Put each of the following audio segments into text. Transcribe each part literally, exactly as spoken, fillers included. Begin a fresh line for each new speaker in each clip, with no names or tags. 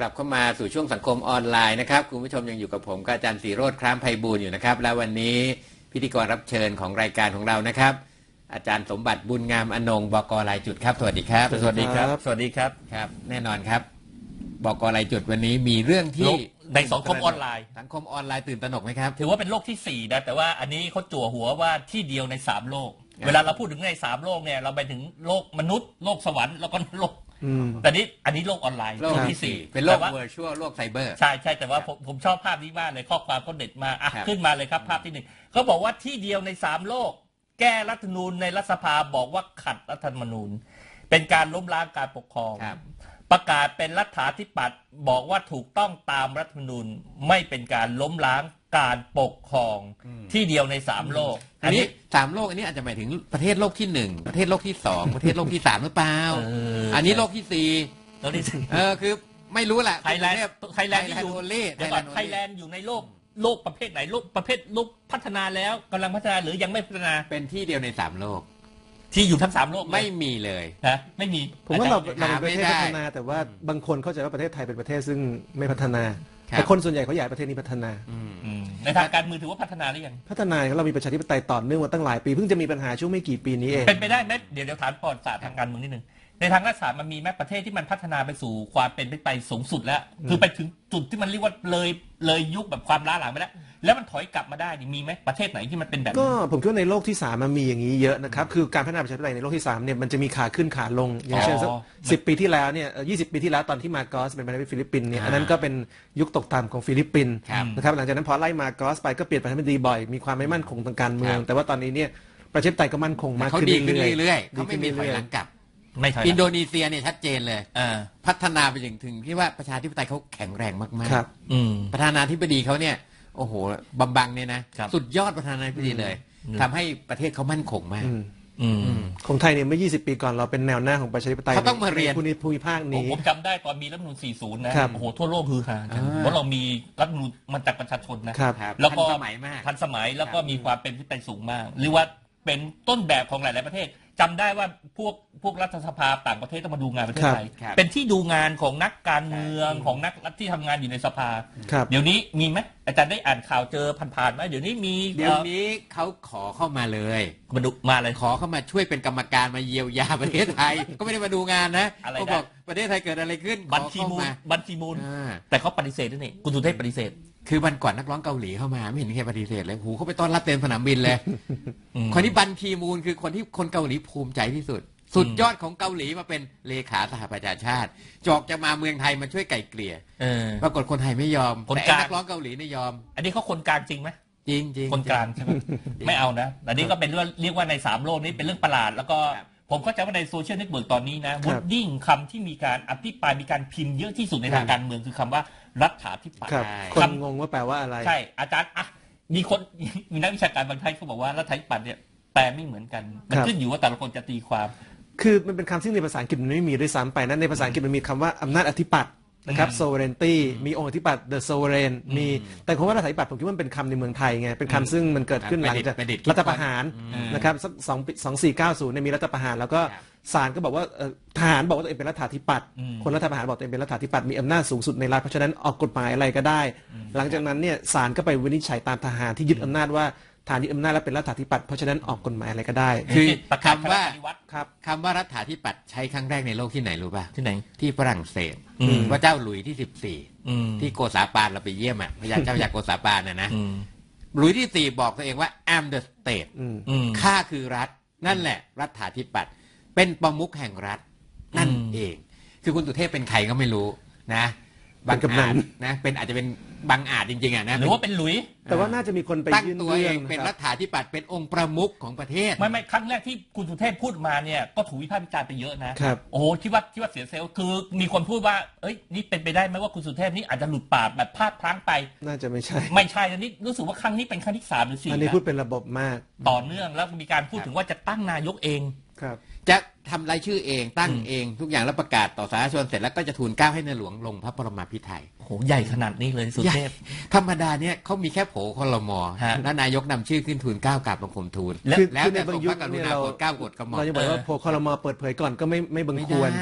ลับเข้ามาสู่ช่วงสังคมออนไลน์นะครับคุณผู้ชมยังอยู่กับผมกับอาจารย์ศรีโรจน์คล้ามไพบูลย์อยู่นะครับและวันนี้พิธีกรรับเชิญของรายการของเรานะครับอาจารย์สมบัติบุญงามอนงค์บก.รายจุดครับสวัสดีครับ
สวัสดีครับสวัสดีครับ
ครับแน่นอนครับบก.รายจุดวันนี้มีเรื่องที่
ในสังคมออนไลน์
สังคมออนไลน์ตื่นตระหนกไหมครับ
ถือว่าเป็นโลกที่สี่นะแต่ว่าอันนี้เขาจั่วหัวว่าที่เดียวในสามโลกเวลาเราพูดถึงในสามโลกเนี่ยเราไปถึงโลกมนุษย์โลกสวรรค์แล้วก็โลกแต่นี้อันนี้โลกออนไลน์
โลกที่สี่เป็นโลกเวอร์ชวลโลกไซเบอร์
ใช่ใช่แต่ว่าผมผมชอบภาพนี้มากเลยข้อความเขาเด็ดมาอ่ะขึ้นมาเลยครับภาพที่หนึ่งเขาบอกว่าที่เดียวในสามโลกแก้รัฐธรรมนูญในรัฐสภาบอกว่าขัดรัฐธรรมนูญเป็นการล้มล้างการปกครองประกาศเป็นรัฐาธิปัตย์บอกว่าถูกต้องตามรัฐธรรมนูญไม่เป็นการล้มล้างการปกครองที่เดียวในสามโลก
อันนี้สามโลกอันนี้อาจจะหมายถึงประเทศโลกที่หนึ่งประเทศโลกที่สองประเทศโลกที่สามหรือเปล่าอันนี้โลกที่สี่
โลกที่สี่
เออคือไม่รู้แหละ
ไทยแลนด์ไทยแลนด์อยู่เดี๋ยวก่อนไทยแลนด์อยู่ในโลกโลกประเภทไหนโลกประเภทโลกพัฒนาแล้วกำลังพัฒนาหรือยังไม่พัฒนา
เป็นที่เดียวในสามโลก
ที่อยู่ทั้งสามโลก
ไม่มีเลย
นะไม่มี
ผมว่าเราเราเป็นประเทศพัฒนาแต่ว่าบางคนเข้าใจว่าประเทศไทยเป็นประเทศซึ่งไม่พัฒนาแต่คนส่วนใหญ่เขาอยากประเทศนี้พัฒนา
ในทางการเมืองถือว่าพัฒนาหรือยัง
พัฒนาเรามีประชาธิปไตยต่อเนื่องมาตั้งหลายปีเพิ่งจะมีปัญหาช่วงไม่กี่ปีนี้เอง
เป็นไปได้ไหมเดี๋ยวเดี๋ยวถามปอดศาสตร์ทางการเมืองนิดนึงในทางรัฐศาสตร์มันมีแม้ประเทศที่มันพัฒนาไปสู่ความเป็นไปสูงสุดแล้วคือไปถึงจุดที่มันเรียกว่าเลยเลยยุคแบบความล้าหลังไปแล้วแล้วมันถอยกลับมาได้มีไหมประเทศไหนที่มันเป็นแบบ
ก็ผมคิดว่าในโลกที่สามมันมีอย่างนี้เยอะนะครับคือการพัฒนาประชาธิปไตยในโลกที่สามเนี่ยมันจะมีขาขึ้นขาลงอย่างเช่นสักสิบปีที่แล้วเนี่ยยี่สิบปีที่แล้วตอนที่มาโกสเป็นประธานาธิบดีฟิลิปปินส์เนี่ยอันนั้นก็เป็นยุคตกต่ำของฟิลิปปินส์นะครับหลังจากนั้นพอไล่มาโกสไปก็เปลี่ยนประธานาธิบดีบ่อยมีความไม่มั่นคงทางการเมืองแต่ว่าตอนนี้เนี่ยประชาธิปไตยก็มั่นคงมากขึ้น
เรื่อยๆเขาไม่มีถอยหลังกลับอินโดนีเซียเนี่ยชัดเจนเลยพัฒนาไปถึงถึงที่ว่าประชาธิปไตยเขาแข็งแรงมากๆประธานาธิบดีเขาเนี่ยโอ้โหบัมบังเนี่ยนะสุดยอดประธานาธิบดีเลยทำให้ประเทศเขามั่นคงมาก
ของไทยเนี่ยเมื่อยี่สิบปีก่อนเราเป็นแนวหน้าของประชาธิปไตย
เขาต้องมาเรียน
ภูมิภาคนี้
ผมจำได้ตอนมีรัฐธรรมนูญสี่สิบนะโอ้โหทั่วโลกฮือฮาเพราะเรามีรัฐธรรมนูญมันจากประชาชนนะแล้วก็ทันสมัยมากทันสมัยแล้วก็มีความเป็นที่เป็นสูงมากหรือว่าเป็นต้นแบบของหลายๆประเทศจำได้ว่าพวกพวกรัฐสภาต่างประเทศต้องมาดูงานประเทศไทยเป็นที่ดูงานของนักการเมืองของนักที่ทำงานอยู่ในสภาเดี๋ยวนี้มีไหมอาจารย์ได้อ่านข่าวเจอผ่านๆไหมเดี๋ยวนี้มี
เดี๋ยวนี้เขาขอเข้ามาเลย
มาดูมาเลย
ขอเข้ามาช่วยเป็นกรรมการมาเยียวยาประเทศไทยก็ไม่ได้มาดูงานนะเขาบอกประเทศไทยเกิดอะไรขึ้น
บัญชีมูลบัญชีมูลแต่เขาปฏิเสธด้วยนี่คุณสุเทพปฏิเสธ
คือวันก่อนนักร้องเกาหลีเข้ามาไม่เห็นใครปฏิเสธเลยหูเขาไปต้อนรับเต็มสนามบินเลยคนที่บัญชีมูลคือคนที่คนเกาหลีภูมิใจที่สุดสุดยอดของเกาหลีมาเป็นเลขาสหประชาชาติจอกจะมาเมืองไทยมาช่วยไก่เกลี่ยปรากฏคนไทยไม่ยอมแต่นักร้องเกาหลีนี่ยอม
อันนี้เขาคนกลางจริงไหม
จริงจริง
คนกลางใช่ไหมไม่เอานะอันนี้ก็เป็นเรื่องเรียกว่าในสามโลกนี้เป็นเรื่องประหลาดแล้วก็ผมเข้าใจว่าในโซเชียลเน็ตเวิร์กตอนนี้นะวอดดิ้งคำที่มีการอภิปรายมีการพิมพ์เยอะที่สุดในทางการเมืองคือคำว่ารัฐาธิปัตย์
คนงงว่าแปลว่าอะไร
ใช่อาจารย์อ่ะมีคนมีนักวิชาการบางท่านเขาบอกว่ารัฐาธิปัตย์เนี่ยแปลไม่เหมือนกันมันขึ้นอยู่ว่าแต่ละคนจะตีความ
คือมันเป็นคำที่ในภาษาอังกฤษมันไม่มีด้วยซ้ำไปนั้นในภาษาอังกฤษมันมีคำว่าอำนาจอธิปัตย์นะครับ sovereignty มีองค์อธิปัตย์ the sovereign มีแต่คำว่ารัฐาธิปัตย์ผมคิดว่ามันเป็นคำในเมืองไทยไงเป็นคำซึ่งมันเกิดขึ้นหลังจากรัฐประหารนะครับสักสองสองสี่เก้าศูนย์เนี่ยมีรัฐประหารแล้วก็ศาลก็บอกว่าทหารบอกว่าตัวเองเป็นรัฐาธิปัตย์คนรัฐประหารบอกตัวเองเป็นรัฐาธิปัตย์มีอำนาจสูงสุดในรัฐเพราะฉะนั้นออกกฎหมายอะไรก็ได้หลังจากนั้นเนี่ยศาลก็ไปวินิจฉัยตามทหารที่ยึดอำนาจว่าฐานยึดอำนาจแล้วเป็นรัฐาธิปัตย์เพราะฉะนั้นออกกฎหมายอะไรก็ได้
คือคำว่าครับคำว่ารัฐาธิปัตย์ใช้ครั้งแรกในโลกที่ไหนรู้ป่ะ
ที่ไหน
ที่ฝรั่งเศสพระเจ้าหลุยที่สิบสี่ที่โกษาปานเราไปเยี่ยมอ่ะพระยาเจ้าจากโกษาปานน่ะนะหลุยที่สี่บอกตัวเองว่า I'm the state ข้าคือรัฐนั่นแหละรัฐาธิปัตย์เป็นประมุขแห่งรัฐนั่นเองคือคุณสุเทพเป็นใครก็ไม่รู้นะบางอาจนะเป็นอาจจะเป็นบางอาจจริงๆอ่ะนะ
หรือว่าเป็นหลุย
แต่ว่าน่าจะมีคนไป
ยื่นตัวเองเป็นรัฐาธิปัตย์เป็นองค์ประมุขของประเทศ
ไม่ไม่ครั้งแรกที่คุณสุเทพพูดมาเนี่ยก็ถูกวิพากษ์วิจารณ์ไปเยอะนะโอ้โหที่ว่าที่ว่าเสียเซลล์คือมีคนพูดว่าเอ้ยนี่เป็นไปได้ไหมว่าคุณสุเทพนี่อาจจะหลุดปากแบบพลาดพลั้งไป
น่าจะไม่ใช่
ไม่ใช่อันนี้รู้สึกว่าครั้งนี้เป็นครั้งที่สามหรือสี่
อันนี้พูดเป็นระบบมาก
ต่อเนื่องแล้วมีการพูดถึงว่าจะตั้งนายกเอง
ครับ
จะทำรายชื่อเองตั้งเองทุกอย่างแล้วประกาศต่อสาธารณชนเสร็จแล้วก็จะทูลเกล้าให้ในหลวงลงพระบรมพิไธย
โอ้โหใหญ่ขนาดนี้เลยสุเทพ
ธรรมดาเนี่ยเขามีแค่โผคลม.แล้วนายกนำชื่อขึ้นทูลเกล้ากราบบังคมทูลแล้วแต่ทรงพระกรุณาโปรดเกล้ากดกระหม่อม
เราจะบอกว่าโผคลม.เปิดเผยก่อนก็ไม่ไม่บังควร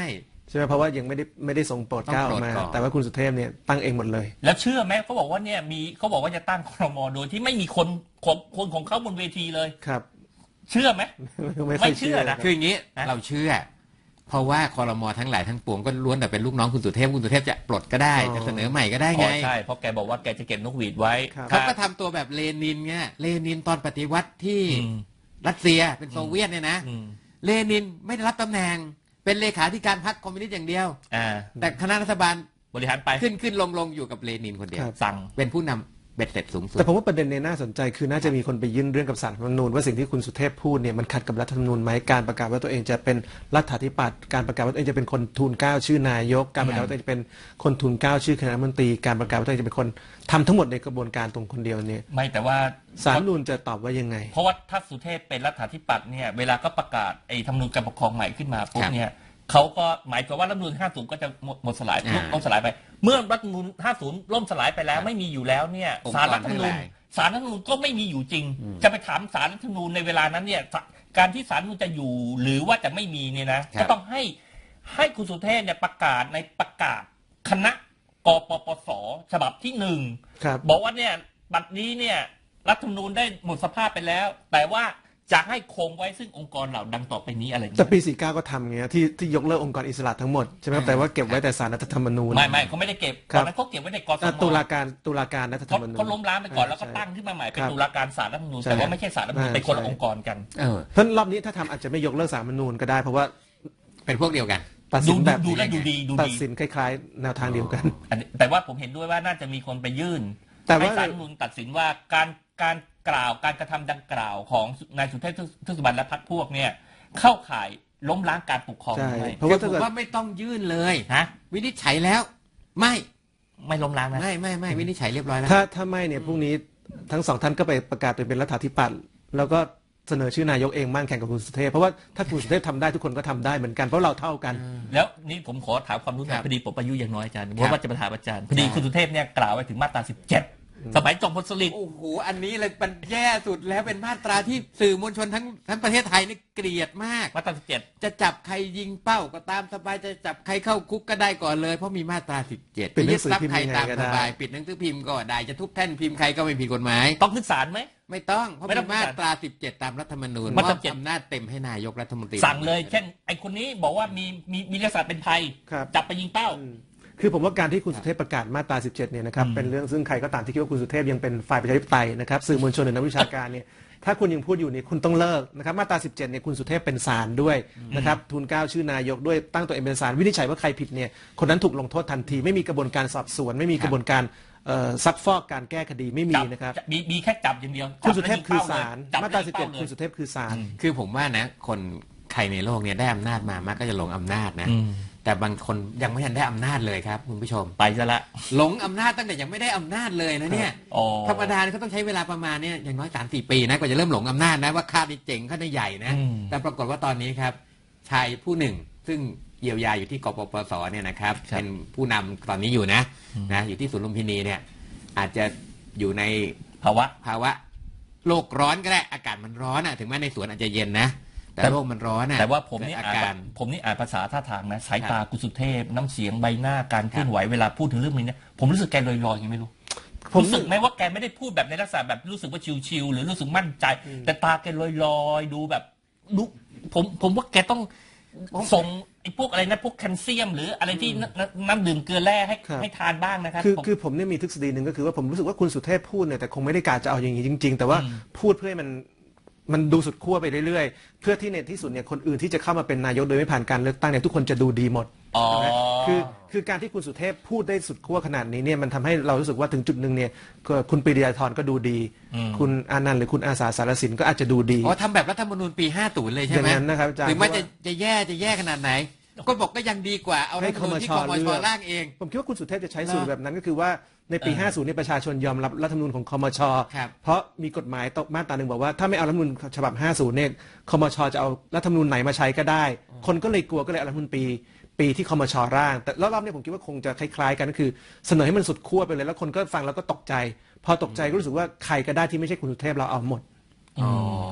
ใช่ไหมเพราะว่ายังไม่ได้ไม่ได้ส่งโปรดเกล้าออกมาแต่ว่าคุณสุเทพเนี่ยตั้งเองหมดเลย
แล้วเชื่อไหมเขาบอกว่าเนี่ยมีเขาบอกว่าจะตั้งครม.โดยที่ไม่มีคนของคนของเขาบนเวทีเลย
ครับ
เชื่อไหม
ไม่
เชื่อนะ
คืออย่างนี้เราเชื่อเพราะว่าครม.ทั้งหลายทั้งปวงก็ล้วนแต่เป็นลูกน้องคุณสุเทพคุณสุเทพจะปลดก็ได้จะเสนอใหม่ก็ได้ไง
ใช่เพราะแกบอกว่าแกจะเก็บนกหวีดไว้
เขาก็ทำตัวแบบเลนินไงเลนินตอนปฏิวัติที่รัสเซียเป็นโซเวียตเนี่ยนะเลนินไม่ได้รับตำแหน่งเป็นเลขาธิการพรรคคอมมิวนิสต์อย่างเดียวแต่คณะรัฐบาล
บริหารไป
ขึ้นขึ้นลงลงอยู่กับเลนินคนเดียว
สั่ง
เป็นผู้นำเบ็ดเสร็จสูงสุด
แต่ผมว่าประเด็นนี้น่าสนใจคือน่าจะมีคนไปยื่นเรื่องกับศาลรัฐธรรมนูญว่าสิ่งที่คุณสุเทพพูดเนี่ยมันขัดกับรัฐธรรมนูญไหมการประกาศว่าตัวเองจะเป็นรัฐาธิปัตย์การประกาศว่าตัวเองจะเป็นคนทูลเกล้าชื่อนายกการประกาศว่าตัวเองจะเป็นคนทูลเกล้าชื่อคณะรัฐมนตรีการประกาศว่าตัวเองจะเป็นคนทำทั้งหมดในกระบวนการตรงคนเดียวเนี่ย
ไม่แต่ว่า
ศาลรัฐธรรมนูญจะตอบว่ายังไง
เพราะว่าถ้าสุเทพเป็นรัฐาธิปัตย์เนี่ยเวลาก็ประกาศไอ้ธรรมนูญการปกครองใหม่ขึ้นมาปุ๊บเนี่ยเขาก็หมายความว่ารัฐธรรมนูญห้าสิบก็จะหมดสลายล่มสลายไปเมื่อรัฐธรรมนูญห้าสิบล่มสลายไปแล้วไม่มีอยู่แล้วเนี่ยศาลรัฐธรรมนูญศาลรัฐธรรมนูญก็ไม่มีอยู่จริงจะไปถามศาลรัฐธรรมนูญในเวลานั้นเนี่ยการที่ศาลรัฐธรรมนูญจะอยู่หรือว่าจะไม่มีเนี่ยนะก็ต้องให้ให้คุณสุเทพเนี่ยประกาศในประกาศคณะกปปสฉบับที่หนึ่งบอกว่าเนี่ยบัดนี้เนี่ยรัฐธรรมนูญได้หมดสภาพไปแล้วแต่ว่าจะให้คงไว้ซึ่งองค์กรเหล่าดังต่อไปนี้อะไร
แต่ปีสี่สิบเก้าก็ทำไงที่ที่ยกเลิกองค์กรอิสระทั้งหมดใช่ไหมแต่ว่าเก็บไว้แต่ศาลรัฐธรรมนูญ
ไม่ไม่เขาไม่ได้เก็บตอนนั้นเขาเก็บไว้ในกส
มตุลาการตุลาการรัฐธรรมนูญ
เขาล้มล้างไปก่อนแล้วก็ตั้งขึ้นมาใหม่เป็นตุลาการศาลรัฐธรรมนูญแต่ว่าไม่ใช่ศาลรัฐธรรมนูญเป็นคนละองค์กรกัน
เพราะรอบนี้ถ้าทำอาจจะไม่ยกเลิกศาลรัฐธรรมนูญก็ได้เพราะว่า
เป็นพวกเดียวกัน
ตัดสินแบบ
ดูแลดูดีดูดี
ตัดสินคล้ายๆแนวทางเดียวกัน
แต่ว่าผมเห็นด้วยว่าน่าจะมีคนไปยื่นให้ศาลรัฐธรรมนูญตัดสินว่าการการกล่าวการกระทำดังกล่าวของนายสุเทพเทือกสุบรรณและพรรคพวกเนี่ยเข้าข่ายล้มล้างการปกครองไหม
เพราะว่าผมว่าไม่ต้องยื่นเลยฮะวินิจฉัยแล้วไม่
ไม่ล้มล้างนะ
ไม่ไม่ไม่วินิจฉัยเรียบร้อยแล้ว
ถ้าถ้าไม่เนี่ยพรุ่งนี้ทั้งสองท่านก็ไปประกาศเป็นรัฐาธิปัตย์แล้วก็เสนอชื่อนายกเองมั่งแข่งกับคุณสุเทพเพราะว่าถ้าคุณสุเทพทำได้ทุกคนก็ทำได้เหมือนกันเพราะเราเท่ากัน
แล้วนี่ผมขอถามความรู้หน่อยพอดีผมอายุอย่างน้อยอาจารย์เพราะว่าจะมาถามอาจารย์พอดีคุณสุเทพเนี่ยกล่าวไว้ถึงมาตราสิบเจ็ดสมัยจอมพลสฤษดิ์
โอ้โหอันนี้เลยมันแย่สุดแล้วเป็นมาตราที่สื่อมวลชนทั้งทั้งประเทศไทยนี่เกลียดมาก
มาตราสิบเจ็ด
จะจับใครยิงเป้าก็ตามสบายจะจับใครเข้าคุกก็ได้ก่อนเลยเพราะมีมาตราสิบเจ็ด
ปิดหนังสือพิมพ์
ใครตามสบายปิดหนังสือพิมพ์ก็ได้จะทุบแท่นพิมพ์ใครก็ไม่ผิดกฎหมาย
ต้องขึ้นศาลไหม
ไม่ต้องเพราะเป็นมาตราสิบเจ็ดตามรัฐธรรมนูญมอบอำนาจเต็มให้นายกรัฐมนตรี
สั่งเลยเช่นไอ้คนนี้บอกว่ามีมีมีลักษณะเป็นภัยจับไปยิงเป้า
คือผมว่าการที่คุณสุเทพประกาศมาตราสิบเจ็ดเนี่ยนะครับเป็นเรื่องซึ่งใครก็ตามที่คิดว่าคุณสุเทพยังเป็นฝ่ายประชาธิปไตยนะครับสื่อมวลชนหรือนักวิชาการเนี่ยถ้าคุณยังพูดอยู่นี่คุณต้องเลิกนะครับมาตราสิบเจ็ดเนี่ยคุณสุเทพเป็นศาลด้วยนะครับทูลเกล้าชื่อนายกด้วยตั้งตัวเองเป็นศาลวินิจฉัยว่าใครผิดเนี่ยคนนั้นถูกลงโทษทันทีไม่มีกระบวนการสอบสวนไม่มีกระบวนการซักฟอกการแก้คดีไม่มีนะครับ
มีมีแค่จับอย่างเดียว
คุณสุเทพคือศาลมาตราสิบเจ็ดคุณสุเทพคือศาล
คือผมว่านะคนใครในโลกเนี่ยได้อำนาจมามักก็จะหลงอำนาจนะแต่บางคนยังไม่ทันได้อำนาจเลยครับคุณผู้ชม
ไปซะละ
หลงอำนาจตั้งแต่ยังไม่ได้อำนาจเลยนะเนี่ยธรรมดาเขาต้องใช้เวลาประมาณเนี่ยอย่างน้อยสามสี่ปีนะกว่าจะเริ่มหลงอำนาจนะว่าข้านี่เจ๋งข้านี่ใหญ่นะแต่ปรากฏว่าตอนนี้ครับชายผู้หนึ่งซึ่งเยียวยาอยู่ที่กปปสเนี่ยนะครับเป็นผู้นำตอนนี้อยู่นะนะอยู่ที่สวนลุมพินีเนี่ยอาจจะอยู่ใน
ภาวะ
ภาวะโลกร้อนก็ได้อากาศมันร้อนอ่ะถึงแม้ในสวนอาจจะเย็นนะแต่โลกมันร้อนอ่ะ
แต่ว่าผมนี่อ่านผมนี่อ่านภาษาท่าทางนะสายตากุสุเทพน้ำเสียงใบหน้าการเคลื่อนไหวเวลาพูดถึงเรื่องนี้เนี่ยผมรู้สึกแกลอยๆยังไม่รู้ผมรู้สึกไหมว่าแกไม่ได้พูดแบบในลักษณะแบบรู้สึกว่าชิวๆหรือรู้สึกมั่นใจแต่ตาแกลอยๆดูแบบดูผมผมว่าแกต้องส่งไอ้พวกอะไรนะพวกแคลเซียมหรืออะไรที่น้ำดื่มเกลือแร่ให้ให้ทานบ้างนะครับ
คือคือผมเนี่ยมีทฤษฎีหนึ่งก็คือว่าผมรู้สึกว่าคุณสุเทพพูดเนี่ยแต่คงไม่ได้การจะเอาอย่างนี้จริงๆแต่ว่าพูดเพื่อให้มันมันดูสุดขั้วไปเรื่อยๆเพื่อที่ในที่สุดเนี่ยคนอื่นที่จะเข้ามาเป็นนายกโดยไม่ผ่านการเลือกตั้งเนี่ยทุกคนจะดูดีหมดคือคือการที่คุณสุเทพพูดได้สุดขั้วขนาดนี้เนี่ยมันทำให้เรารู้สึกว่าถึงจุดหนึ่งเนี่ยคุณปรีดียาธรก็ดูดีคุณอานันต์หรือคุณอาสาสารสินก็อาจจะดูดี
อ๋อทำแบบรัฐธรรมนูญปีห้าสิบเลยใช่ไหม
อย่างนั้นนะครับอาจารย์
ถึงแม้จะจะแย่จะแย่ขนาดไหนก็บอกก็ยังดีกว่าเอารัฐธรรมนูญที่คมช.ร่างเอง
ผมคิดว่าคุณสุเทพจะใช้สูตรแบบนั้นก็คือว่าในปีห้าสิบเนี่ยประชาชนยอมรับรัฐธรรมนูญของคมช.เพราะมีกฎหมายตกมาตราหนึ่งบอกว่าถ้าไม่เอารัฐธรรมนูญฉบับห้าสิบเนี่ยคมช.จะเอารัฐธรรมนูญไหนมาใช้ก็ได้คนก็เลยกลัวก็เลยเอารัฐธรรมนูญปีปีที่คมช.ร่างแต่รอบๆนี้ผมคิดว่าคงจะคล้ายๆกันก็คือเสนอให้มันสุดขั้วไปเลยแล้วคนก็ฟังแล้วก็ตกใจพอตกใจก็รู้สึกว่าใครก็ได้ที่ไม่ใช่คุณสุเทพเราเอาหมด
อ๋อ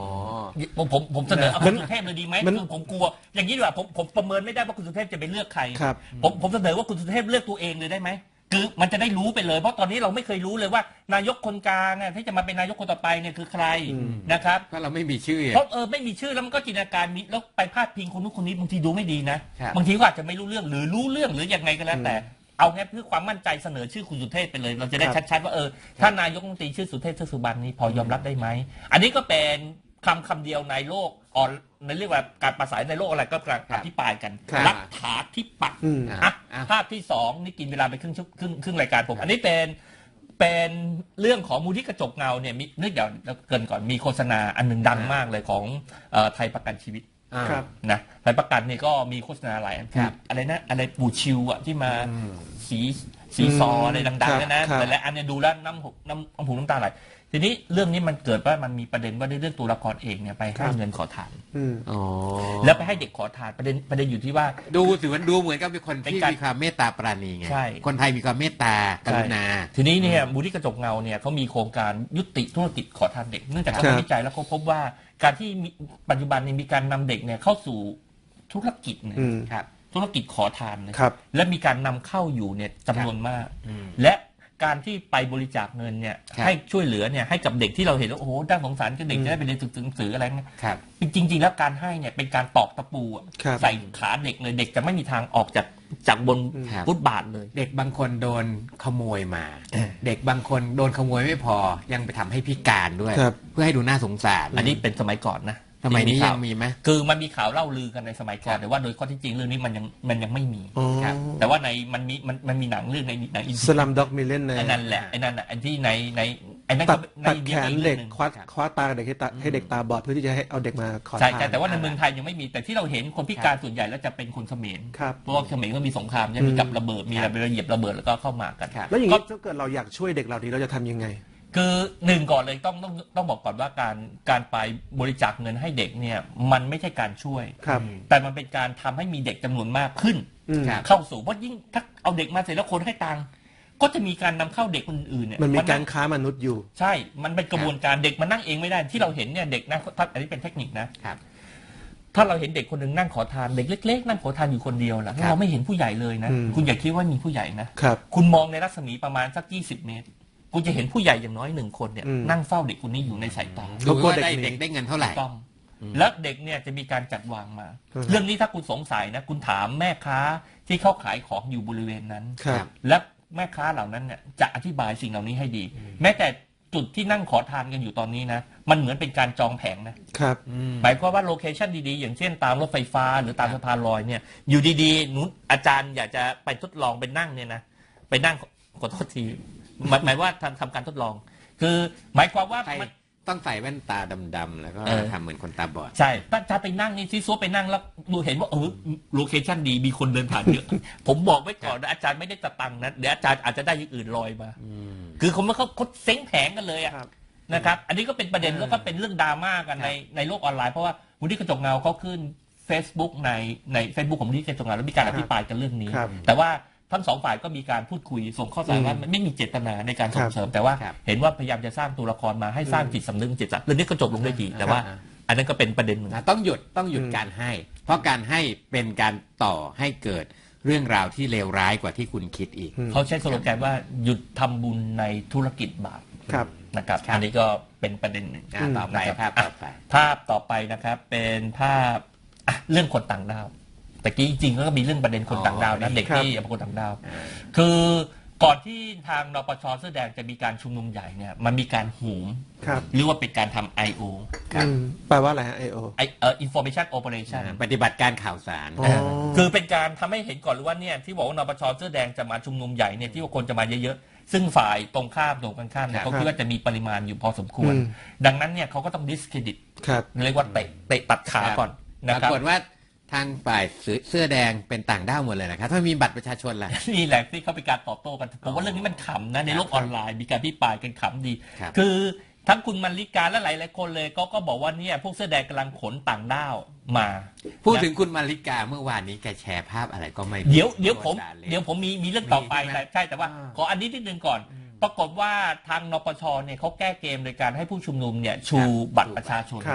ผมผมผมเสนอเอาคุณสุเทพเลยดีไหมคือผมกลัวอย่างนี้ดีกว่าผมผมประเมินไม่ได้ว่าคุณสุเทพจะไปเลือกใครผมผมเสนอว่าคุณสุเทพเลือกตัวเองเลยได้ไหมคือมันจะได้รู้ไปเลยเพราะตอนนี้เราไม่เคยรู้เลยว่านายกคนกลางที่จะมาเป็นนายกคนต่อไปเนี่ยคือใครนะครับ
เพราะเราไม่มีชื่อ
เพราะเออไม่มีชื่อแล้วมันก็จินตนาการมีแล้วไปพาดพิงคนนู้นคนนี้บางทีดูไม่ดีนะบางทีก็อาจจะไม่รู้เรื่องหรือรู้เรื่องหรือยังไงก็แล้วแต่เอาแค่เพื่อความมั่นใจเสนอชื่อคุณสุเทพไปเลยเราจะได้ชัดๆว่าเออถ้านายกรัฐมนตรีชื่อสุเทพเทือกสุบรรณนี้พอยอมรับได้ไหมอันนี้ก็เป็นคำคำเดียวในโลกออนในเรียกว่าการประสานในโลกอะไรก็กำลังอภิปรายกันรัฐาธิปัตย์อ่ะภาพที่สองนี่กินเวลาไปครึ่งครึ่งครึ่งรายการผมอันนี้เป็นเป็นเรื่องของมูลที่กระจกเงาเนี่ยมีนึกเดี๋ยวเกินก่อนมีโฆษณาอันหนึ่งดังมากเลยของไทยประกันชีวิตนะไทยประกันนี่ก็มีโฆษณาหลายอันอะไรนะอะไรปูชิวอะที่มาสีสีซออะไรดังๆนะแต่ละอันเนี่ยดูแล้วน้ำน้ำน้ำหูน้ำตาไหลทีนี้เรื่องนี้มันเกิดว่ามันมีประเด็นว่าในเรื่องตัวละครเอกเนี่ยไปให้เงินขอทานแล้วไปให้เด็กขอทานประเด็นประเด็นอยู่ที่ว่า
ดูสิมันดูเหมือนกับเป็นคนที่มีความเมตตาปราณีไงคนไทยมีความเมตตากรุณา
ทีนี้เนี่ยมูลที่กระจกเงาเนี่ยเขามีโครงการยุติธุรกิจขอทานเด็กเนื่องจากเขาวิจัยแล้วเขาพบว่าการที่ปัจจุบันนี้มีการนำเด็กเนี่ยเข้าสู่ธุรกิจนะครับธุรกิจขอทานนะและมีการนำเข้าอยู่เนี่ยจำนวนมากและการที่ไปบริจาคเงินเนี่ยให้ช่วยเหลือเนี่ยให้กับเด็กที่เราเห็นว่าโอ้โหด้านสงสารกับเด็กจะได้ไปเรียนหนังสืออะไรเงี้ยจริงๆแล้วการให้เนี่ยเป็นการตอกตะปูใส่ขาเด็กเลยเด็กจะไม่มีทางออกจากจากบนฟุตบาทเลย
เด็กบางคนโดนขโมยมาเด็กบางคนโดนขโมยไม่พอยังไปทำให้พิการด้วยเพื่อให้ดูน่าสงสาร
อันนี้เป็นสมัยก่อนนะ
สมัยนี้ยังมีไหม
คือมันมีข่าวเล่าลือกันในสมัยก่อนแต่ว่าโดยข้อที่จริงเรื่องนี้มันยังมันยังไม่มีแต่ว่าในมันมีมันมันมีหนังเรื่องในหนังอิน
สลัมด็อกมิเล่นใน
นั่นแหละไอ้นั่นอ่ะไอ้ที่ในในไอ้นั่น
ตัดตัดแขนเด็กคว้าคว้าตาเด็กให้ตาให้เด็กตาบอดเพื่อที่จะให้เอาเด็กมาขอทาน
ใช่แต่ว่าในเมืองไทยยังไม่มีแต่ที่เราเห็นคนพิการส่วนใหญ่แล้วจะเป็นคนเขมรเพราะว่าเขมรก็มีสงครามใช่ไหมมีกับระเบิดมีอะไรเหยียบระเบิดแล้วก็เข้ามากัน
แล้วอย่างนี้ถ้าเกิดเราอยากช่วยเด็กเหล่านี้เราจะทำยังไง
คือหนึ่งก่อนเลยต้องต้องต้องบอกก่อนว่าการการไปบริจาคเงินให้เด็กเนี่ยมันไม่ใช่การช่วยแต่มันเป็นการทำให้มีเด็กจำนวนมากขึ้นเข้าสู่เพราะยิ่งถ้าเอาเด็กมาเสร็จแล้วคนให้ตังค์ก็จะมีการนำเข้าเด็กคนอื่นเนี่ย
มันมีการค้ามนุษย์อยู่
ใช่มันเป็นกระบวนการเด็กมานั่งเองไม่ได้ที่เราเห็นเนี่ยเด็กนะอันนี้เป็นเทคนิคนะถ้าเราเห็นเด็กคนหนึ่งนั่งขอทานเด็กเล็กๆนั่งขอทานอยู่คนเดียวล่ะเราไม่เห็นผู้ใหญ่เลยนะคุณอย่าคิดว่ามีผู้ใหญ่นะคุณมองในรัศมีประมาณสักยี่สิบเมตรคุณจะเห็นผู้ใหญ่อย่างน้อยหนึ่งคนเนี่ยนั่งเฝ้าเด็กคนนี้อยู่ในสายตา
ดูว่าได้เด็กได้เงินเท่าไหร่
ต้องแล้วเด็กเนี่ยจะมีการจัดวางมาเรื่องนี้ถ้าคุณสงสัยนะคุณถามแม่ค้าที่เขาขายของอยู่บริเวณนั้นและแม่ค้าเหล่านั้นเนี่ยจะอธิบายสิ่งเหล่านี้ให้ดีแม้แต่จุดที่นั่งขอทานกันอยู่ตอนนี้นะมันเหมือนเป็นการจองแผงนะครับหมายความว่าโลเคชั่นดีๆอย่างเช่นตามรถไฟฟ้าหรือตามสะพานลอยเนี่ยอยู่ดีๆนุ้นอาจารย์อยากจะไปทดลองไปนั่งเนี่ยนะไปนั่งขอโทษทีหมายว่าทำทำการทดลองคือหมายความว่า
ต้องใส่แว่นตาดำๆแล้วก็ทำเหมือนคนตาบอด
ใช่ถ้าจะไปนั่งนี่ซีซัวไปนั่งแล้วดูเห็นว่าเออโลเคชั่นดีมีคนเดินผ่านเยอะผมบอกไว้ก่อนนะอาจารย์ไม่ได้จะตังนะเดี๋ยวอาจารย์อาจจะได้อย่างอื่นลอยมาคือเขาไม่เขาเขาเซ้งแผงกันเลยอะนะครับอันนี้ก็เป็นประเด็นแล้วก็เป็นเรื่องดราม่ากันในในโลกออนไลน์เพราะว่ามูลที่กระจกเงาเขาขึ้น Facebook ในใน Facebook ของมูลที่กระจกเงาแล้วมีการอภิปรายกันเรื่องนี้แต่ว่าทั้งสองฝ่ายก็มีการพูดคุยส่งข้อสารว่าไม่มีเจตนาในการส่งเสริมแต่ว่าเห็นว่าพยายามจะสร้างตัวละครมาให้สร้างจิตสำนึกจิตใจเรื่องนี้ก็จบลงได้ดีแต่ว่าอันนั้นก็เป็นประเด็นหนึ่ง
ต้องหยุดต้องหยุดการให้เพราะการให้เป็นการต่อให้เกิดเรื่องราวที่เลวร้ายกว่าที่คุณคิดอีก
เขาใช้สโลแกนว่าหยุดทำบุญในธุรกิจบาปนะครับอันนี้ก็เป็นประเด็นหนึ่ง
ต่อไปภาพต่อไป
ภาพต่อไปนะครับเป็นภาพเรื่องคนต่างดาวแต่กี้จริงๆก็มีเรื่องประเด็นคนต่างดาวนะเด็กที่เป็นคนต่างดาวคือก่อนที่ทางนปช.เสื้อแดงจะมีการชุมนุมใหญ่เนี่ยมันมีการโหมหรือว่าเป็นการทำ ไอ โอ
แปลว่าอะไรฮะ ไอ โอ
ไอเอ่อ information operation
ปฏิบัติการข่าวสาร
คือเป็นการทำให้เห็นก่อนเลยว่าเนี่ยที่บอกว่านปช.เสื้อแดงจะมาชุมนุมใหญ่เนี่ยที่ว่าคนจะมาเยอะๆซึ่งฝ่ายตรงข้ามตรงกันข้ามเนี่ยเขาคิดว่าจะมีปริมาณอยู่พอสมควรดังนั้นเนี่ยเขาก็ต้อง discredit เรียกว่าเตะเตะตัดขาก่อน
นะครับปรากฏว่าทางฝ่ายเสื้อแดงเป็นต่างด้าวหมดเลยนะครับถ้ามีบัตรประชาชนล่ะ
นี่แหละที่เขาเป็นการตอบโต้กันผมว่าเรื่องนี้มันขำนะในโลกออนไลน์มีการพิปรายกันขำดีคือทั้งคุณมลิกาและหลายๆคนเลยก็ก็บอกว่าเนี่ยพวกเสื้อแดงกำลังขนต่างด้าวมา
พูดถึงคุณมลิกาเมื่อวานนี้แกแชร์ภาพอะไรก็ไม่
เดี๋ยวเดี๋ยวผมเดี๋ยวผมมีมีเรื่องต่อไปแต่ใช่แต่ว่าขออันนี้นิดนึงก่อนปรากฏว่าทางนปช.เนี่ยเขาแก้เกมโดยการให้ผู้ชุมนุมเนี่ยชูบัตรประชาชน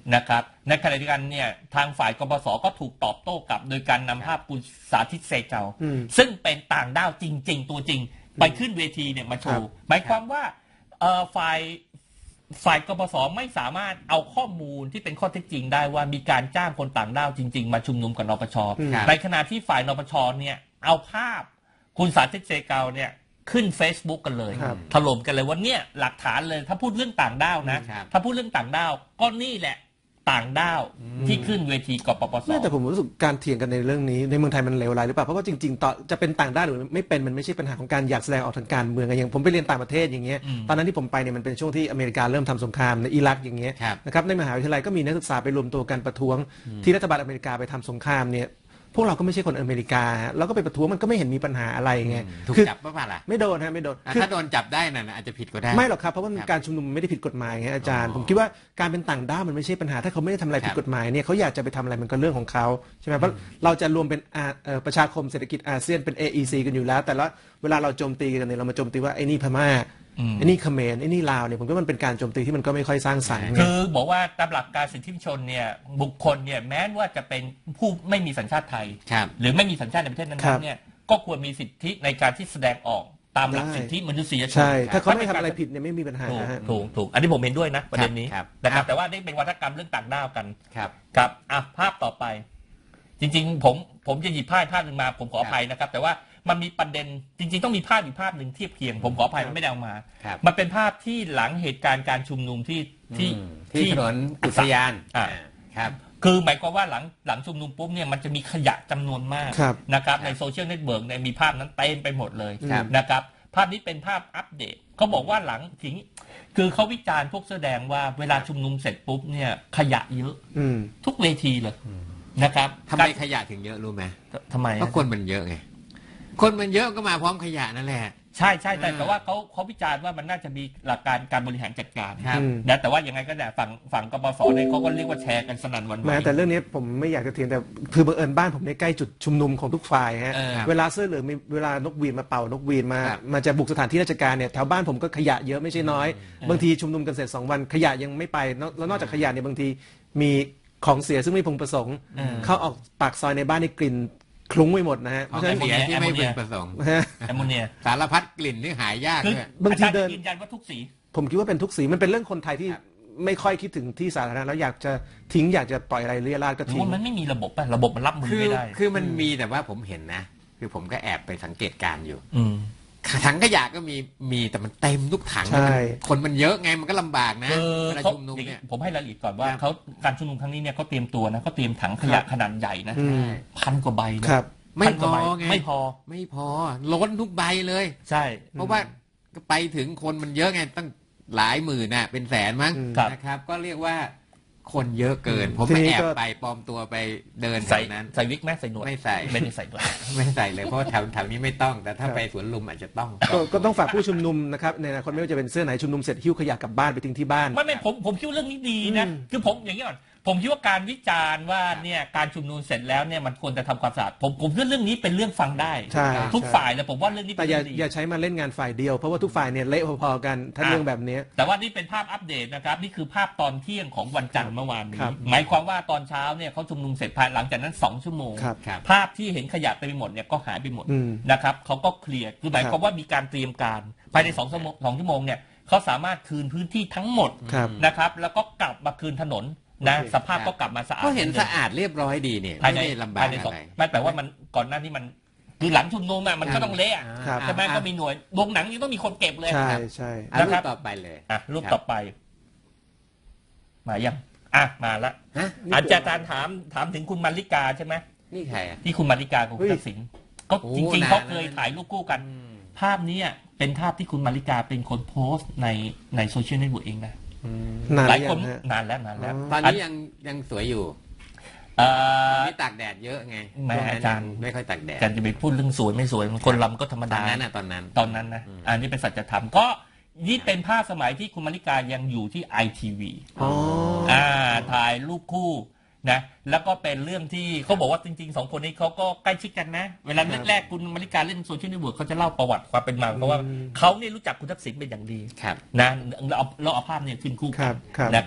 นะครับในขณะเดียวกันเนี่ยทางฝ่ายกปสก็ถูกตอบโต้กลับโดยการนำภาพคุณสาธิตเซเจาซึ่งเป็นต่างด้าวจริงๆตัวจริงไปขึ้นเวทีเนี่ยมาโชว์หมายความว่าฝ่ายฝ่ายกปสไม่สามารถเอาข้อมูลที่เป็นข้อเท็จจริงได้ว่ามีการจ้างคนต่างด้าวจริงๆมาชุมนุมกับนปช.ในขณะที่ฝ่ายนปช.เนี่ยเอาภาพคุณสาธิตเซเจาเนี่ยขึ้น Facebook กันเลยถล่มกันเลยว่าเนี่ยหลักฐานเลยถ้าพูดเรื่องต่างด้าวนะถ้าพูดเรื่องต่างด้าวก็นี่แหละต่างด้าวที่ขึ้นเวทีกปปส.
แต่ผมรู้สึกการเถียงกันในเรื่องนี้ในเมืองไทยมันเลวร้ายหรือเปล่าเพราะว่าจริงๆต่อจะเป็นต่างด้าวหรือไม่เป็นมันไม่ใช่ปัญหาของการอยากแสดงออกทางการเมืองอย่างผมไปเรียนต่างประเทศอย่างเงี้ยตอนนั้นที่ผมไปเนี่ยมันเป็นช่วงที่อเมริกาเริ่มทำสงครามในอิรักอย่างเงี้ยนะครับในมหาวิทยาลัยก็มีนักศึกษาไปรวมตัวกันประท้วงที่รัฐบาลอเมริกาไปทำสงครามเนี่ยพวกเราก็ไม่ใช่คนอเมริกาแล้วก็ไปประท้วงมันก็ไม่เห็นมีปัญหาอะไรไง
ถูกจับป่ะล่ะ
ไม่โดนฮะไม่โดน
ถ้าโดนจับได้น่ะอาจจะผิดก็ได้
ไม่หรอกครับเพราะว่าการชุมนุมไม่ได้ผิดกฎหมายไงอาจารย์ผมคิดว่าการเป็นต่างด้าวมันไม่ใช่ปัญหาถ้าเขาไม่ได้ทำอะไรผิดกฎหมายเนี่ยเขาอยากจะไปทำอะไรมันก็เรื่องของเขาใช่ไหมเพราะเราจะรวมเป็นประชาคมเศรษฐกิจอาเซียนเป็น เอ อี ซี กันอยู่แล้วแต่ละเวลาเราโจมตีกันเนี่ยเรามาโจมตีว่าไอ้นี่พม่าไอ้นี่เขมรไอ้นี่ลาวเนี่ยผมว่ามันเป็นการโจมตีที่มันก็ไม่ค่อยสร้างสรรค์
คือบอกว่าตามหลักการสิทธิมนุษยชนเนี่ยบุคคลเนี่ยแม้ว่าจะเป็นผู้ไม่มีสัญชาติไทยหรือไม่มีสัญชาติในประเทศนั้นๆเนี่ยก็ควรมีสิทธิในการที่แสดงออกตามหลักสิทธิมนุษยชน
ใช่ถ้าเขาไม่ทำอะไรผิดเนี่ยไม่มีปัญหา
ถูกถูกอันนี้ผมเห็นด้วยนะประเด็นนี้นะครับแต่ว่านี่เป็นวัฒกรรมเรื่องต่างด้าวกัน
ครับ
ครับอ่ะภาพต่อไปจริงๆผมผมจะหยิบภาพภาพหนึ่งมาผมขออภัยนะครับแต่ว่ามันมีประเด็นจริงๆต้องมีภาพอีกภาพหนึ่งเทียบเคียงผมขออภัยมันไม่ได้เอามามันเป็นภาพที่หลังเหตุการณ์การชุมนุมที่ที่
ที่ถนนอุทยาน
อ่าครับคือหมายความว่าหลังหลังชุมนุมปุ๊บเนี่ยมันจะมีขยะจำนวนมากนะครับในโซเชียลเน็ตเวิร์กเนี่ยมีภาพนั้นเต็มไปหมดเลยนะครับภาพนี้เป็นภาพอัปเดตเขาบอกว่าหลังถึงคือเขาวิจารณ์พวกแสดงว่าเวลาชุมนุมเสร็จปุ๊บเนี่ยขยะเยอะทุกเวทีเลยนะครับ
ทำไมขยะถึงเยอะรู้ไหม
ทำไม
เพราะคนมันเยอะไงคนมันเยอะก็มาพร้อมขยะนั่นแหละ
ใช่ใช่แต่แต่ว่าเขาเขาวิจารณ์ว่ามันน่าจะมีหลักการการบริหารจัดการนะแต่ว่ายังไงก็แต่ฝั่งฝั่งกปสเนี่ยเขาก็เรียกว่าแชร์กันสนั่นวันไหว
แต่เรื่องนี้ผมไม่อยากจะเถียงแต่คือบังเอิญบ้านผมในใกล้จุดชุมนุมของทุกฝ่ายฮะเวลาเสื้อเหลืองมีเวลานกหวีดมาเป่านกหวีดมามาจะบุกสถานที่ราชการเนี่ยแถวบ้านผมก็ขยะเยอะไม่ใช่น้อยบางทีชุมนุมกันเสร็จสองวันขยะยังไม่ไปแล้วนอกจากขยะเนี่ยบางทีมีของเสียซึ่งไม่พึงประสงค์เข้าออกปากซอยในบ้านในกลิ่นคลุ้งไปหมดนะฮะ
ของเสียที่ไม่พึงประสงค์
แอมโมเนีย
สารพัดกลิ่นที่หายากเลย
บางทีเดินยืนยันว่าทุกสี
ผมคิดว่าเป็นทุกสีมันเป็นเรื่องคนไทยที่ไม่ค่อยคิดถึงที่สาธารณะแล้วอยากจะทิ้งอยากจะปล่อยอะไรเรี่ยราดก็ทิ้ง
มันไม่มีระบบป่ะระบบมันรับมือไม่ได้
คือมันมีแต่ว่าผมเห็นนะคือผมก็แอบไปสังเกตการอยู่ถังขยะก็มีมีแต่มันเต็มทุกถังคนมันเยอะไงมันก็ลำบากนะ
เวลาชุมนุมเนี่ยผมให้รายละเอียดก่อนว่าเขาการชุมนุมครั้งนี้เนี่ยเขาเตรียมตัวนะเขาเตรียมถังขยะขนาดใหญ่นะพันกว่าใบนะ
ไม่พอไง
ไม่พอ
ไม่พอล้นทุกใบเลย
ใช่
เพราะว่าไปถึงคนมันเยอะไงตั้งหลายหมื่นน่ะเป็นแสนมั้งนะครับก็เรียกว่าคนเยอะเกินผมไม่แอบไปปลอมตัวไปเดินแถวนั้น
ใส่วิกไหมใส่หนวด
ไม่ใส่
ไม่ได้ใส่ด้วย
ไม่ใส่เลยเพราะแถวแถวนี้ไม่ต้องแต่ถ้าไปสวนลุมอาจจะต้อง
ก็ต้องฝากผู้ชุมนุมนะครับในอนาคตไม่ว่าจะเป็นเสื้อไหนชุมนุมเสร็จหิ้วขยะกลับบ้านไปทิ้งที่บ้าน
ไม่ไม่ผมผมคิดว่าเรื่องนี้ดีนะคือผมอย่างนี้ก่อนผมคิดว่าการวิจารณ์ว่าเนี่ยการชุมนุมเสร็จแล้วเนี่ยมันควรจะทำความสะอาดผมผมคิดเรื่องนี้เป็นเรื่องฟังได้ทุกฝ่ายเลยผมว่าเรื่องนี้
แต่อย่าอย่าใช้มาเล่นงานฝ่ายเดียวเพราะว่าทุกฝ่ายเนี่ยเละพอๆกันถ้าเรื่องแบบนี้
แต่ว่านี่เป็นภาพอัปเดตนะครับนี่คือภาพตอนเที่ยงของวันจันทร์เมื่อวานนี้หมายความว่าตอนเช้าเนี่ยเขาชุมนุมเสร็จภายหลังจากนั้นสองชั่วโมงภาพที่เห็นขยะเต็มไปหมดเนี่ยก็หายไปหมดนะครับเขาก็เคลียร์คือหมายความว่ามีการเตรียมการภายในสองชั่วโมงสองชั่วโมงเนี่ยเขาสามารถคืนพื้นที่ทั้งหมดนะครับแล้วก็กลับมาคืนถนนนะสภาพก็กลับมาสะอาด
ก็เห็นสะอาดเรียบร้อยดีเนี่ย
ไม่ได้ลำบากอะไรไม่แปลว่ามันก่อนหน้าที่มันคือหลังชุมนุมมันก็ต้องเละใช่ไหมก็มีหน่วยโรงหนังยังต้องมีคนเก็บเลย
ใช่ใช่
รูปต่อไปเลย
อ่ะรูปต่อไปมายังอ่ะมาละอาจารย์ถามถามถึงคุณมาริกาใช่ไหม
นี่ใคร
ที่คุณมาริกากับคุณทักษิณก็จริงๆเขาเคยถ่ายรูปคู่กันภาพนี้เป็นภาพที่คุณมาริกาเป็นคนโพสต์ในในโซเชียลเน็ตเวิร์กเองนะหลายคนนานแล้วนานแล้ว
ตอนนี้ยังยังสวยอยู่นี่ตากแดดเยอะไง
แม่อาจารย์
ไม่ค่อยตากแดด
อาจารย์จะไปพูดเรื่องสวยไม่สวยคนลำก็ธรรมดา
ตอนนั้นนะตอนนั้น
ตอนนั้นนะอันนี้เป็นสัจธรรมก็นี่เป็นภาพสมัยที่คุณมาริกายังอยู่ที่ไอทีวีอ่าถ่ายรูปคู่นะแล้วก็เป็นเรื่องที่เขาบอกว่าจริงๆสองคนนี้เขาก็ใกล้ชิดกันนะเวลาแรกๆคุณมาริกาเล่นโซเชียลเน็ตเวิร์กเขาจะเล่าประวัติความเป็นมาเพราะว่าเขาเนี่ยรู้จักคุณทักษิณเป็นอย่างดีนะเราเอาเราเอาภาพเนี่ยขึ้นคู่กันนะครับ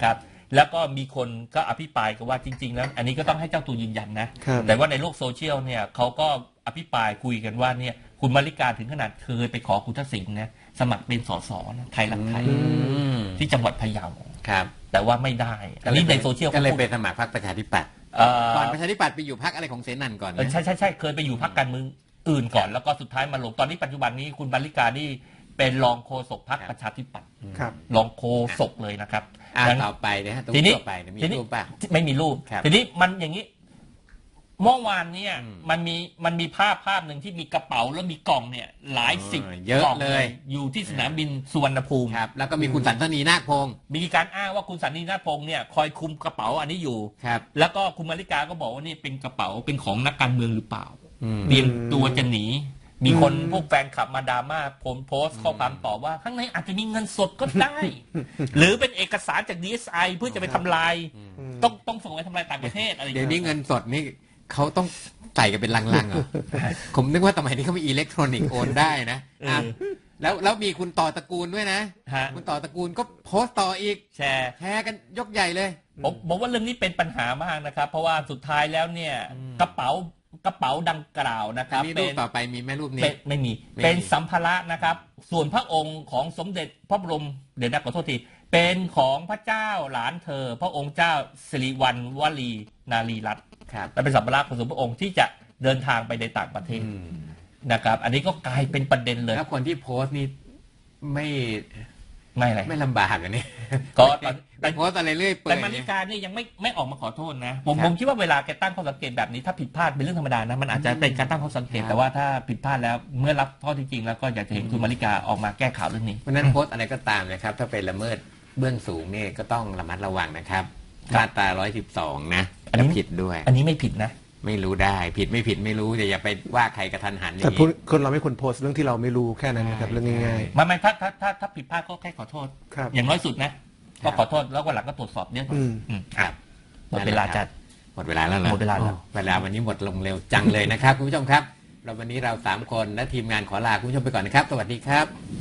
แล้วก็มีคนก็อภิปรายกันว่าจริงๆแล้วอันนี้ก็ต้องให้เจ้าตัวยืนยันนะแต่ว่าในโลกโซเชียลเนี่ยเขาก็อภิปรายคุยกันว่าเนี่ยคุณมาริกาถึงขนาดเคยไปขอคุณทักษิณนะสมัครเป็นสสนะไทยรักไทยที่จังหวัดพะเยาครับแต่ว่าไม่ได้อันนี้ในโซเชียล
ก็เลยไปสมัครพรรคประชาธิปัตย์ก่อนประชาธิปัตย์ไปอยู่พรรคอะไรของเสนันก่อน
ใช่ใช่ใช่เคยไปอยู่พรรคการเมืองอื่นก่อนแล้วก็สุดท้ายมาลงตอนนี้ปัจจุบันนี้คุณมาริกานี่เป็นรองโฆษกพรรคประชาธิปัตย์รองโฆษกเลยนะครับ
ต่อไปนะฮะ
ทีนี้
มีรูปป่ะ
ไม่มีรูปทีนี้มันอย่างนี้เมื่อวานเนี่ยมันมีมันมีภาพภาพหนึ่งที่มีกระเป๋าแล้วมีกล่องเนี่ยหลายสิบ
กล่องเลย
อยู่ที่สนามบินสุวรรณภูมิ
ครับแล้วก็มีคุณสันทนีนาคพงศ์
มีการอ้างว่าคุณสันทนีนาคพงศ์เนี่ยคอยคุมกระเป๋าอันนี้อยู่
ครับ
แล้วก็คุณมาริกาก็บอกว่านี่เป็นกระเป๋าเป็นของนักการเมืองหรือเปล่าเตรียมตัวจะหนีมีคนพวกแฟนคลับมาดราม่าผมโพสต์ข้อความตอบว่าข้างในอาจจะมีเงินสดก็ได้หรือเป็นเอกสารจาก ดี เอส ไอ เพื่อจะไปทำลายต้องต้องส่งไปทำลายต่างประเทศอะไร
เดี๋ยวนี้เงินสดนี่เขาต้องใส่กันเป็นลังๆเหรอผมนึกว่าสมัยนี้เขามีอิเล็กทรอนิกส์โอนได้นะแล้วแล้วมีคุณต่อตระกูลด้วยนะคุณต่อตระกูลก็โพสต์ต่ออีก
แชร์
แชร์กันยกใหญ่เลย
ผมบอกว่าเรื่องนี้เป็นปัญหามากนะครับเพราะว่าสุดท้ายแล้วเนี่ยกระเป๋ากระเป๋าดังกล่าวนะครับ
มีรูปต่อไปมีไหมรูปนี้
ไม่มีเป็นสัมภาระนะครับส่วนพระองค์ของสมเด็จพระบรมเดี๋ยวนะขอโทษทีเป็นของพระเจ้าหลานเธอพระองค์เจ้าสิริวัณวลีนารีรัตน์และเป็นสัมภาระของสมเด็จพระองค์ที่จะเดินทางไปในต่างประเทศนะครับอันนี้ก็กลายเป็นประเด็นเลย
แล้วคนที่โพสต์นี่ไม่
ไม่อะไร
ไม่ลำบากอันนี้
ก็
แต่โพสต์อะไรเรื่อยเปื่อย
แต่มาริกานี่ยังไม่ไม่ออกมาขอโทษนะผมผมคิดว่าเวลาแกตั้งข้อสังเกตแบบนี้ถ้าผิดพลาดเป็นเรื่องธรรมดานะมันอาจจะเป็นการตั้งข้อสังเกตแต่ว่าถ้าผิดพลาดแล้วเมื่อรับข้อที่จริงแล้วก็อยากจะเห็นคุณมาริกาออกมาแก้ข่าวเรื่องนี้
เพราะนั้นโพสต์อะไรก็ตามนะครับถ้าไปละเมิดเบื้องสูงนี่ก็ต้องระมัดระวังนะครับมาตราหนึ่งร้อยสิบสองนะอันนี้ผิดด้วย
อันนี้ไม่ผิดนะ
ไม่รู้ได้ผิดไม่ผิดไม่รู้แต่อย่าไปว่าใครกระทันหันอย่าง
นี้แต่คนเราไม่ควรโพสต์เรื่องที่เราไม่รู้แค่นั้นนะครับเรื่องง่าย
ๆไม่ไม่ถ้าถ้าถ้าถ้าผิดพลาดก็แค่ขอโทษอย่างน้อยสุดนะก็ขอโทษแล้ววันหลังก็ตรวจสอบเนี่ย
ครับ
หมดเวลาจัด
หมดเวลาแล้วเหรอ
หมดเวลาแล้ว
เวลาวันนี้หมดลงเร็วจังเลยนะครับคุณผู้ชมครับเราวันนี้เราสามคนและทีมงานขอลาคุณผู้ชมไปก่อนนะครับสวัสดีครับ